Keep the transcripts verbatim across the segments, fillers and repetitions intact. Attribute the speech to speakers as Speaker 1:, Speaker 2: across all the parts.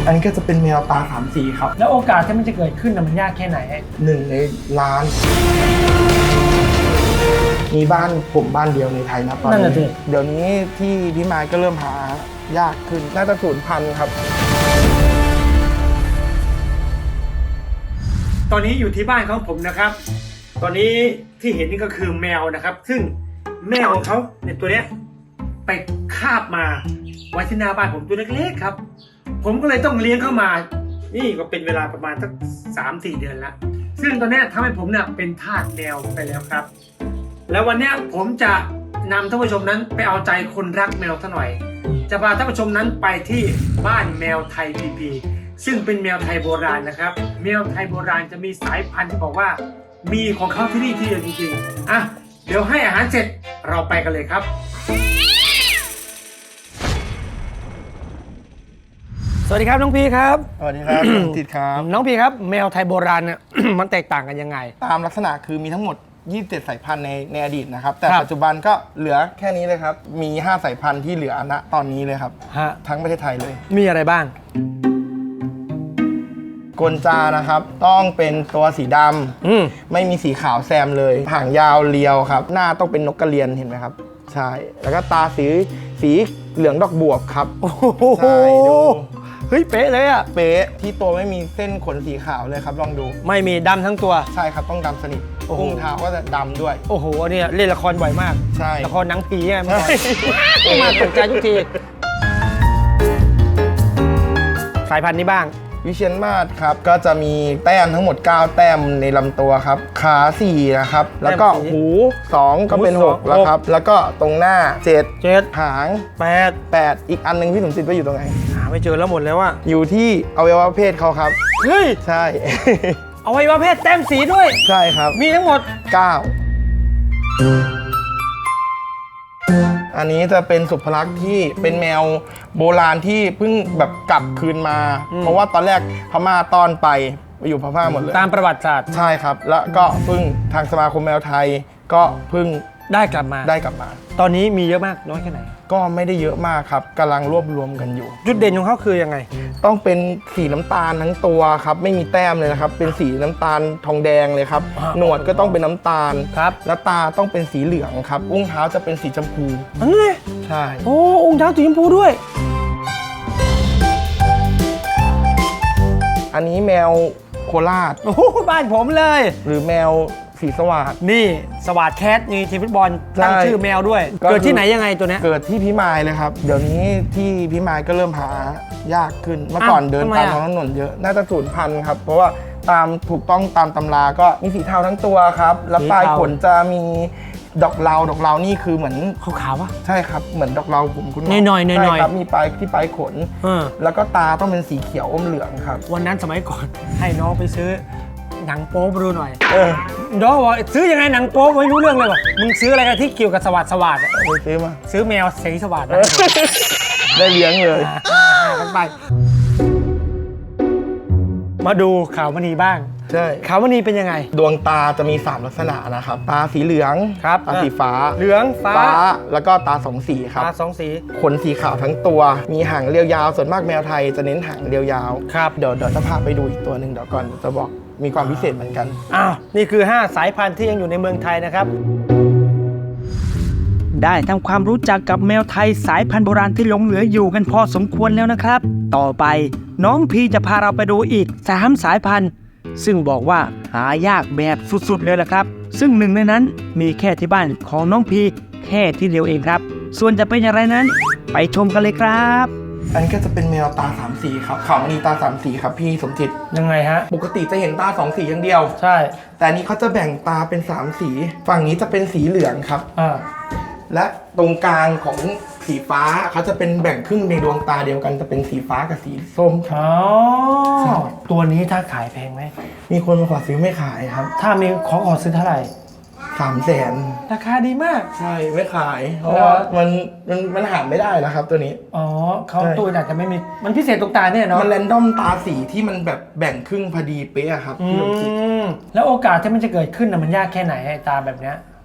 Speaker 1: อันนี้ก็จะเป็นแมวตาสามสีครับ
Speaker 2: แล้วโอกาสที่มันจะเกิดขึ้นนะมันยากแค่ไหน
Speaker 1: หนึ่งในล้านมีบ้านผมบ้านเดียวในไทยนะตอนนี้เดี๋ยวนี้ที่พี่ไม้ก็เริ่มหายากขึ้นน่าจะสูญพันธุ์ครับ
Speaker 2: ตอนนี้อยู่ที่บ้านของผมนะครับตอนนี้ที่เห็นนี่ก็คือแมวนะครับซึ่งแม่ของเขาในตัวเนี้ยไปคาบมาไว้ที่หน้าบ้านผมตัวเล็กๆครับผมก็เลยต้องเลี้ยงเข้ามานี่ก็เป็นเวลาประมาณสักสามสี่เดือนแล้วซึ่งตอนนี้ทำให้ผมเนี่ยเป็นทาสแมวไปแล้วครับแล้ววันนี้ผมจะนำท่านผู้ชมนั้นไปเอาใจคนรักแมวซะหน่อยจะพาท่านผู้ชมนั้นไปที่บ้านแมวไทยพีพีซึ่งเป็นแมวไทยโบราณนะครับแมวไทยโบราณจะมีสายพันธุ์ที่บอกว่ามีของเขาที่นี่ที่เดียวจริงๆอ่ะเดี๋ยวให้อาหารเสร็จเราไปกันเลยครับสวัสดีครับน้องพีครับ
Speaker 1: สวัสดีครับ ติดครับ
Speaker 2: น้องพีครับแมวไทยโบราณเนี่ย มันแตกต่างกันยังไง
Speaker 1: ตามลักษณะคือมีทั้งหมดยี่สิบเจ็ดสายพันธุ์ในในอดีตนะครับแต่ปัจจุบันก็เหลือแค่นี้เลยครับมีห้าสายพันธุ์ที่เหลือณตอนนี้เลยครับทั้งประเทศไทยเลย
Speaker 2: มีอะไรบ้าง
Speaker 1: กลจานะครับต้องเป็นตัวสีดำไม่มีสีขาวแซมเลยหางยาวเรียวครับหน้าต้องเป็นนกกระเรียนเห็นไหมครับใช่แล้วก็ตาสีสีเหลืองดอกบวบครับใช่ดู
Speaker 2: เฮ้ยเป๊ะเลยอะ
Speaker 1: เป๊ะที่ตัวไม่มีเส้นขนสีขาวเลยครับลองดู
Speaker 2: ไม่มีดำทั้งตัว
Speaker 1: ใช่ครับต้องดำสนิทอุ้งเท้าก็จะดำด้วย
Speaker 2: โอ้โหอันนี้เล่นละครบ่อยมาก
Speaker 1: ใช่
Speaker 2: ละครหนังผีไงมามาตกใจทุกทีสายพันธุ์นี้บ้าง
Speaker 1: วิเชียรมาศครับก็จะมีแต้มทั้งหมดเก้าแต้มในลำตัวครับขาสี่นะครับแล้วก็หูสองก็เป็นหกแล้วครับแล้วก็ตรงหน้าเจ็ด
Speaker 2: เจ็ด
Speaker 1: หาง
Speaker 2: แปด
Speaker 1: แปดอีกอันนึงพี่สมจิตไปอยู่ตรงไหน
Speaker 2: หาไม่เจอแล้วหมดแล้วว่า
Speaker 1: อยู่ที่อวัยวะเพศเขาครับ
Speaker 2: เฮ้ย
Speaker 1: ใช่
Speaker 2: อวัยวะเพศแต้มสีด้วย
Speaker 1: ใช่ครับ
Speaker 2: มีทั้งหมด
Speaker 1: เก้าอันนี้จะเป็นสุภลักษณ์ที่เป็นแมวโบราณที่เพิ่งแบบกลับคืนมาเพราะว่าตอนแรกพม่าต้อนไปไปอยู่พม่าหมดเลย
Speaker 2: ตามประวัติศาสตร์
Speaker 1: ใช่ครับแล้วก็เพิ่งทางสมาคมแมวไทยก็เพิ่ง
Speaker 2: ได้กลับมา
Speaker 1: ได้กลับมา
Speaker 2: ตอนนี้มีเยอะมากน้อยแค่ไหน
Speaker 1: ก็ไม่ได้เยอะมากครับกำลังรวบรวมกันอยู่
Speaker 2: จุดเด่นของเขาคือยังไง
Speaker 1: ต้องเป็นสีน้ำตาลทั้งตัวครับไม่มีแต้มเลยนะครับเป็นสีน้ำตาลทองแดงเลยครับหนวดก็ต้องเป็นน้ำตาล
Speaker 2: ครับ
Speaker 1: และตาต้องเป็นสีเหลืองครับอุ้งเท้าจะเป็นสีชมพู
Speaker 2: อันนี้
Speaker 1: ใช่
Speaker 2: โอ้อุ้งเท้าสีชมพูด้วย
Speaker 1: อันนี้แมวโคราช
Speaker 2: โอ้บ้านผมเลย
Speaker 1: หรือแมวสีสวัสด
Speaker 2: นี่สวัสดแคทนี่ทีมฟุตบอลตั้งชื่อแมวด้วยเกิดที่ไหนยังไงตัวนี้
Speaker 1: เกิดที่พิมายเลยครับเดี๋ยวนี้ที่พิมายก็เริ่มหายากขึ้นเมื่อก่อนเดินตามท้องถนนเยอะน่าจะสูญพันธุ์ครับเพราะว่าตามถูกต้องตามตำราก็มีสีเทาทั้งตัวครับแล้วปลายขนจะมีดอกเหลาดอกเหลานี่คือเหมือน
Speaker 2: ขาวๆวะ
Speaker 1: ใช่ครับเหมือนดอกเหลาผมคุณ
Speaker 2: หน่อยหน่อยหน่อย
Speaker 1: ครับมีปลายที่ปลายขนแล้วก็ตาต้องเป็นสีเขียวอมเหลืองครับ
Speaker 2: วันนั้นสมัยก่อนให้น้องไปซื้อหนังโป๊มาดูหน่อยน้องบอกซื้อยังไงหนังโป๊ไม่รู้เรื่องเลยว่ะมึงซื้ออะไรกันที่เกี่ยวกับสวัสดิ์สวัสดิ์
Speaker 1: ไปซื้อมา
Speaker 2: ซื้อแมวสีสวัสดิ์
Speaker 1: ได้เลี้ยงเลย
Speaker 2: ไปมาดูขาวมณีบ้าง
Speaker 1: ใช่
Speaker 2: ขาวมณีเป็นยังไง
Speaker 1: ดวงตาจะมีสามลักษณะนะครับตาสีเหลือง
Speaker 2: ครับ
Speaker 1: ตาสีฟ้า
Speaker 2: เหลืองฟ้า
Speaker 1: แล้วก็ตาสองสีครับ
Speaker 2: ตาสองสี
Speaker 1: ขนสีขาวทั้งตัวมีหางเรียวยาวส่วนมากแมวไทยจะเน้นหางเรียวยาว
Speaker 2: ครับ
Speaker 1: เดี๋ยวเดี๋ยวจะพาไปดูอีกตัวหนึ่งเดี๋ยวก่อนจะบอกมีความพิเศษเหมือนกัน
Speaker 2: อ้าวนี่คือห้าสายพันธุ์ที่ยังอยู่ในเมืองไทยนะครับ
Speaker 3: ได้ทำความรู้จักกับแมวไทยสายพันธุ์โบราณที่หลงเหลืออยู่กันพอสมควรแล้วนะครับต่อไปน้องพีจะพาเราไปดูอีกสามสายพันธุ์ซึ่งบอกว่าหายากแบบสุดๆเลยล่ะครับซึ่งหนึ่งในนั้นมีแค่ที่บ้านของน้องพีแค่ที่เดียวเองครับส่วนจะเป็นอย่างไรนั้นไปชมกันเลยครับ
Speaker 1: อันนี้ก็จะเป็นแมวตาสามสีครับขาวมณีตาสามสีครับพี่สมจิต
Speaker 2: ยังไงฮะ
Speaker 1: ปกติจะเห็นตาสองสีอย่างเดียว
Speaker 2: ใช่
Speaker 1: แต่อันนี้เขาจะแบ่งตาเป็นสามสีฝั่งนี้จะเป็นสีเหลืองครับ
Speaker 2: อ่า
Speaker 1: และตรงกลางของสีฟ้าเขาจะเป็นแบ่งครึ่งในดวงตาเดียวกันจะเป็นสีฟ้ากับสีส้ม
Speaker 2: อ๋อตัวนี้ถ้าขายแพงไหม
Speaker 1: มีคนมาขอซื้อไม่ขายครับ
Speaker 2: ถ้ามีขอขอซื้อเท่าไหร่
Speaker 1: สามแสน
Speaker 2: ราคาดีมาก
Speaker 1: ใช่ไม่ขายเพราะว่ามันมันมันหาไม่ได้นะครับตัวนี้
Speaker 2: อ๋อเขาตัวอาจจะไม่มีมันพิเศษตรงตาเนี่ยเนาะ
Speaker 1: มันแรนดอมตาสีที่มันแบบแบ่งครึ่งพอดีเป๊ะครับพี่ลมจิต
Speaker 2: แล้วโอกาสที่มันจะเกิดขึ้นนะมันยากแค่ไหนไอ้ตาแบบเนี้ย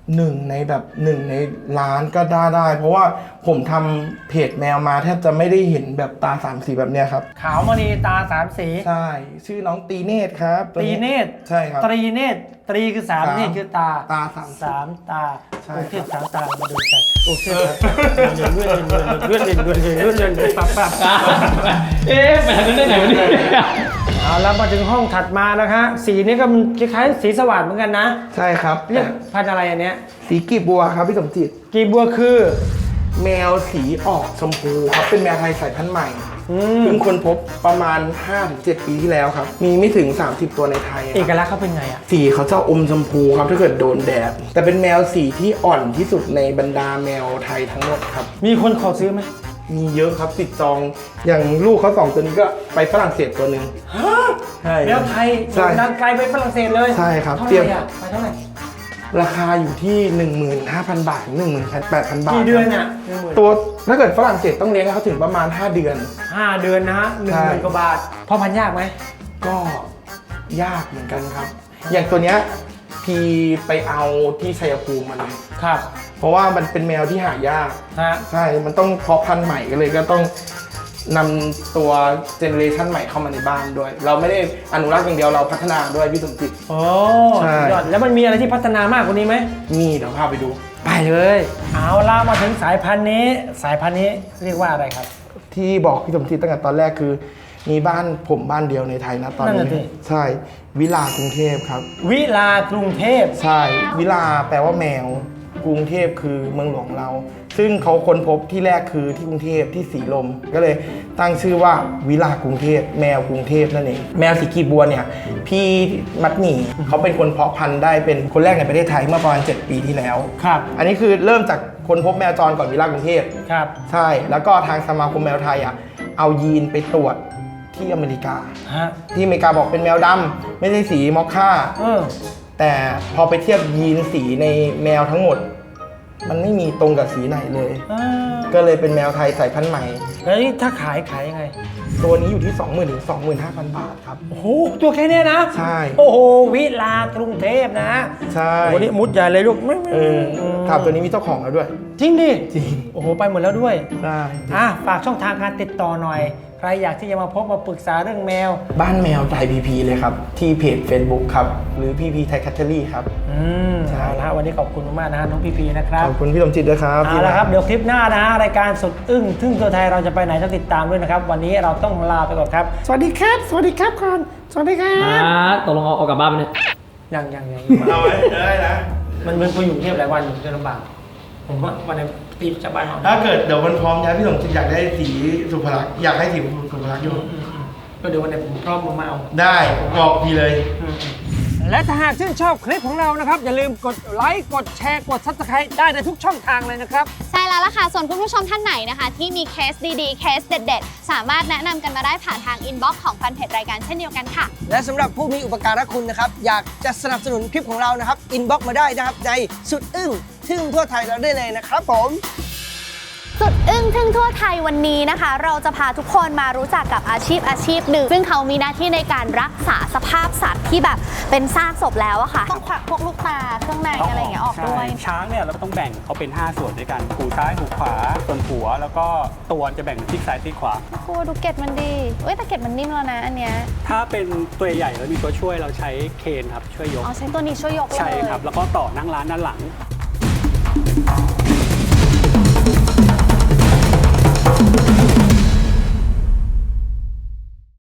Speaker 1: หนึ่งในแบบหนึ่งในล้านก็ได้ได้ เพราะว่าผมทำเพจแมวมาแทบจะไม่ได้เห็นแบบตาสามสีแบบเนี้ยครับ
Speaker 2: ขาวมณีตาสามสี
Speaker 1: ใช่ชื่อน้องตีเนตรครับ
Speaker 2: ตีเนตร
Speaker 1: ใช่ครับ
Speaker 2: ตรีเนตรตรีคือสาม
Speaker 1: สาม
Speaker 2: เนตรคือตา
Speaker 1: ตาสาม
Speaker 2: สามตา
Speaker 1: ใช่
Speaker 2: โอเคสามตามาดูใจโอเคเลื่อนเลื่อนเลื่อนเลื่อนเลื่อนเลื่อนเลื่อนเลื่อนเลื่อนเลื่อนปั๊บปั๊บ
Speaker 4: เอ๊ะแบบนั้นได้ไหนวะเนี่ย
Speaker 2: เอาแล้วมาถึงห้องถัดมานะฮะสีนี้ก็มันคล้ายๆสีสว่างเหมือนกันนะ
Speaker 1: ใช่ครับ
Speaker 2: เรียกพันธุ์อะไรอันเนี้ย
Speaker 1: สีกีบบัวครับพี่สมจิต
Speaker 2: กีบัวคือ
Speaker 1: แมวสีออกชมพูครับเป็นแมวไทยสายพันธุ์ใหม่
Speaker 2: อืม
Speaker 1: เพิ่งค้นพบประมาณ ห้าถึงเจ็ด ปีที่แล้วครับ มีไม่ถึง สามสิบ ตัวในไทย
Speaker 2: เอก
Speaker 1: ครับ
Speaker 2: ลักษณ์เขาเป็นไงอ่ะ
Speaker 1: สีเขาจะอมชมพูครับถ้าเกิดโดนแดด แต่เป็นแมวสีที่อ่อนที่สุดในบรรดาแมวไทยทั้งหมดครับ
Speaker 2: มีคนขอซื้อไหม
Speaker 1: มีเยอะครับติดจอง อย่างลูกเขาสองตัวนี้ก็ไปฝรั่งเศสตัวหนึ่งใช่
Speaker 2: แมวไทย
Speaker 1: ใช่
Speaker 2: ดังไกลไปฝรั่งเศสเลย
Speaker 1: ใช่ครับ
Speaker 2: เท่า
Speaker 1: เตรี
Speaker 2: ไห
Speaker 1: ยม
Speaker 2: ร่อ่ะไปเท่าไหร่
Speaker 1: ราคาอยู่ที่ หนึ่งหมื่นห้าพัน บาทถึงหนึ่งหมื่นแปดพัน บาท
Speaker 2: กี่เดือน
Speaker 1: ครับ
Speaker 2: อ่ะหนึ่งหมื่น
Speaker 1: ตัวถ้าเกิดฝรั่งเศสต้องเลี้ยงให้เขาถึงประมาณ ห้า เดือน
Speaker 2: ห้าเดือนนะฮะหนึ่ง
Speaker 1: ใช่
Speaker 2: หมื่นกว่าบาทพอพันยากไหม
Speaker 1: ก็ยากเหมือนกันครับ อย่างตัวเนี้ยพีไปเอาที่ชัยภูมิมาเลย
Speaker 2: ครับ
Speaker 1: เพราะว่ามันเป็นแมวที่หายาก
Speaker 2: ฮะ
Speaker 1: ใช่ มันต้องเพาะพันธุ์ใหม่ก็เลยก็ต้องนำตัวเจเนอเรชันใหม่เข้ามาในบ้านด้วย เราไม่ได้อนุรักษ์อย่างเดียวเราพัฒนาด้วยพี่สมจิต
Speaker 2: โอ้
Speaker 1: ใช่
Speaker 2: สุดยอดแล้วมันมีอะไรที่พัฒนามากกว่านี้ไหม
Speaker 1: มีเดี๋ยวพาไปดู
Speaker 2: ไปเลย เอาล่ามาถึงสายพันธุ์นี้ สายพันธุ์นี้เรียกว่าอะไรครับ
Speaker 1: ที่บอกพี่สมจิตตั้งแต่ตอนแรกคือ มีบ้านผมบ้านเดียวในไทยนะตอน
Speaker 2: นั่น
Speaker 1: นี้
Speaker 2: น่ะสิ
Speaker 1: ใช่วิลากรุงเทพครับ
Speaker 2: วิลากรุงเทพ
Speaker 1: ใช่วิลาแปลว่าแมวกรุงเทพคือเมืองหลวงเรา ซึ่งเขาค้นพบที่แรกคือที่กรุงเทพที่สีลม ก็เลยตั้งชื่อว่าวิลากรุงเทพแมวกรุงเทพนั่นเองแมวสีกีบบัวเนี่ยพี่มัดหมี่เขาเป็นคนเพาะพันธุ์ได้เป็นคนแรกในประเทศไทยเมื่อประมาณเจ็ดปีที่แล้ว
Speaker 2: ครับ
Speaker 1: อันนี้คือเริ่มจากคนพบแมวจรก่อนวิลากรุงเทพ
Speaker 2: ครับ
Speaker 1: ใช่แล้วก็ทางสมาคมแมวไทยอ่ะเอายีนไปตรวจที่อเมริกา
Speaker 2: ฮะ
Speaker 1: ที่อเมริกาบอกเป็นแมวดำไม่ใช่สีมอคค่า
Speaker 2: เออ
Speaker 1: แต่พอไปเทียบยีนสีในแมวทั้งหมด มันไม่มีตรงกับสีไหนเลย
Speaker 2: อ่า
Speaker 1: ก็เลยเป็นแมวไทยสายพันธุ์ใหม่
Speaker 2: แล้วนี่ถ้าขายขายยังไง
Speaker 1: ตัวนี้อยู่ที่ สองหมื่น ถึง สองหมื่นห้าพัน บาทครับ
Speaker 2: โอ้โห ตัวแค่เนี้ยนะ
Speaker 1: ใช่
Speaker 2: โอ้โห วิลากรุงเทพนะ
Speaker 1: ใช่
Speaker 2: วันนี้มุดใหญ่เลยลูกไม่ไม่
Speaker 1: เออถามตัวนี้มีเจ้าของแล้วด้วย
Speaker 2: จริงดิ
Speaker 1: จริง
Speaker 2: โอ้โห ไปหมดแล้วด้วย
Speaker 1: ใช่
Speaker 2: อ่ะ ฝากช่องทางการติดต่อหน่อย ใครอยากที่จะมาพบมาปรึกษาเรื่องแมว
Speaker 1: บ้านแมวไทยพีพีเลยครับ ที่เพจ Facebook ครับ หรือพีพีไทยแคทเทอรี่ครับ
Speaker 2: อืม
Speaker 1: ใช่
Speaker 2: เอาละวันนี้ขอบคุณมากๆนะฮะน้องพีพีนะครับ
Speaker 1: ขอบคุณพี่สมจิตด้วยครับ
Speaker 2: เอา
Speaker 1: ที่
Speaker 2: ละ
Speaker 1: มา
Speaker 2: ครับ เดี๋ยวคลิปหน้านะฮะรายการสุดอึ้งทึ่งตัวไทยเราจะไปไหนต้องติดตามด้วยนะครับ วันนี้เราต้องลาไปก่อนครับ สวัสดีครับ สวัสดีครับก่อนสวัสดีครั
Speaker 4: อ่า
Speaker 2: บ
Speaker 4: ตกลงเอาเอากลับบ้านไปเนี่ย
Speaker 2: ยังยังยัง
Speaker 1: เอาไว้ได้นะ
Speaker 2: มันเป็นคนอยู่กรุงเทพหลายวันอยู่จะลำบากผมว่าวันนี้ตีจากบ้านนอน
Speaker 1: ถ้าเกิดเดี๋ยวมันพร้อมย้ายพี่สมจิตอยากได้สีสุภลักษณ์อยากให้สีสุภลักษณ์อยู่
Speaker 2: อืมอืมก็เดี๋ยววันนี้ผมพร้อมมาเอา
Speaker 1: ได้บอกพี่เลย
Speaker 2: และถ้าหากชื่นชอบคลิปของเรานะครับ อย่าลืมกดไลค์กดแชร์กด ซับสไครบ์ ได้ในทุกช่องทางเลยนะครับ
Speaker 5: ใช่แล้วล่ะค่ะส่วนคุณผู้ชมท่านไหนนะคะ ที่มีเคสดีๆ เคสเด็ดๆ สามารถแนะนำกันมาได้ผ่านทางอินบ็อกซ์ของแฟนเพจรายการเช่นเดียวกันค่ะ
Speaker 6: และสำหรับผู้มีอุปการะคุณนะครับ อยากจะสนับสนุนคลิปของเรานะครับ อินบ็อกมาได้นะครับ ในสุดอึ้งทึ่งทั่วไทยเราได้เลยนะครับผม
Speaker 5: สุดอึ้งทึ่งทั่วไทยวันนี้นะคะ เราจะพาทุกคนมารู้จักกับอาชีพอาชีพหนึ่ง ซึ่งเขามีหน้าที่ในการรักษาสภาพสัตว์ที่แบบเป็นซากศพแล้วอะค่ะ ต้องควักพวกลูกตาเครื่องในอะไรอย่างเงี้ยออกด้วย
Speaker 7: ใช่ช้างเนี่ยเราต้องแบ่งเขาเป็น ห้า ส่วนด้วยกันหูซ้ายหูขวาส่วนหัว แล้วก็ตัวจะแบ่งเป็นซีกซ้ายซีกขวา
Speaker 5: ครูดูเกล็ดมันดีเอ้ยแต่เกล็ดมันนิ่มแล้วนะอันเนี้ย
Speaker 7: ถ้าเป็นตัวใหญ่แล้วมีตัวช่วยเราใช้เคนครับช่วยยก
Speaker 5: อ๋อใช้ตัวนี้ช่วยยกเลย
Speaker 7: ใช่ครับ แล้วก็ต่อนั่งร้านด้านหลัง